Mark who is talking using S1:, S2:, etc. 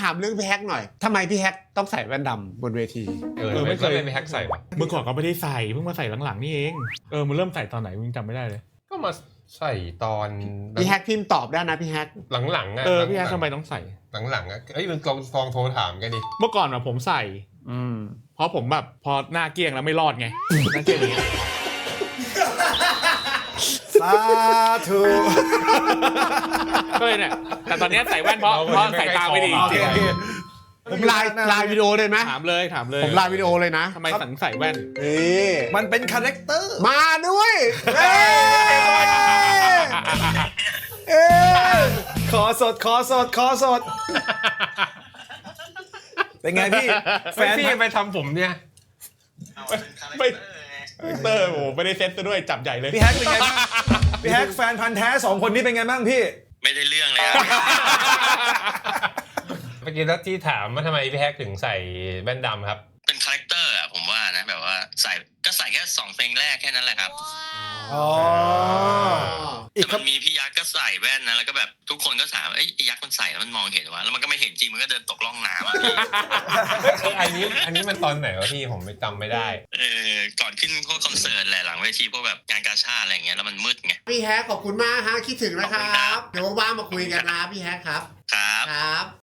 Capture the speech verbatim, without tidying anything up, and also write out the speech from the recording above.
S1: ามเรื่องพี่แฮกหน่อยทำไมพี่แฮกต้องใส่แว่นดำบนเวที
S2: เออไม่เคยเป็นแฮกใส่ปะ
S3: เมื่อก่อนก็ไม่ได้ใส่เพิ่งมาใส่หลังๆนี่เองเออมันเริ่มใส่ตอนไหนมึงจำไม่ได้เลย
S2: ก็มาใส่ตอน
S1: พี่แฮกพิมพ์ตอบได้นะพี่แฮก
S2: หลังๆอ่ะ
S3: เออพี่แฮกทำไมต้องใส่
S2: หลังๆอ่ะเอ้ยมึงลองลองโทรถามกันดิ
S3: เมื่อก่อนอะผมใส่อืมเพราะผมแบบพอหน้าเกลี้ยงแล้วไม่รอดไงหน้าเกลี้ยงอย่างเงี้ย
S4: สาธุ
S3: ก็เลยเนี่ยแต่ตอนนี้ใส่แว่นเพราะเพราะสายตาไม่ดี
S4: โอเคโอเค
S1: ผมไลน์ไลน์วิดีโอเลยไหม
S3: ถามเลยถามเลย
S1: ผมไลน์วิดีโอเลยนะ
S3: ทำไมสังใส่แว่น
S1: นี่
S4: มันเป็นคาแรคเตอร์
S1: มาด้วยเอ้ยเอ้ย
S4: ขอสดขอสดขอสด เป็นไงพี่ แฟ
S2: แฟน
S4: น
S2: พี่ไปทำผมเนี่ย
S3: ไม่เตอร์โอ้ไม่ได้เซ็ตซะด้วยจับใหญ่เลย
S4: พี่แฮกเป็นไงบ้างพี่แฮกแฟนพันธ์แท้สองคนนี้เป็นไงบ้างพี่
S5: ไม่ได้เรื่องเลยครับ
S2: เมื่อกี้แล้วที่ถามว่าทำไมพี่แฮกถึงใส่แว่นดำครับ
S5: เป็นคาแรคเตอร์อะผมว่านะแบบว่าใส่ก็ใส่แค่สองเพลงแรกแค่นั้นแหละครับ
S4: อ๋อ อี
S5: แต่
S4: กครั
S5: มั
S4: บ
S5: นมีพี่ยักษ์ก็ใส่แว่นนะแล้วก็แบบทุกคนก็ถามเอ้ยไอ้ยักษ์มันใส่แล้วมันมองเห็นวะแล้วมันก็ไม่เห็นจริงมันก็เดินตกล่องน้ำอะพี่
S2: อันนี้อันนี้มันตอนไหนวะพี่ผมไม่จำไม่ได้
S5: เออก่อนขึ้นพวกคอนเสิร์ตแหละหลังเวทีพวกแบบงานกาชาดอะไรอย่างเงี้ยแล้วมันมืดไง
S1: พี่แฮกขอบคุณมากฮะคิดถึงนะครับ เดี๋ยวว่างๆมาคุยกันนะพี่แฮกครับ
S5: ครับ
S1: ครับ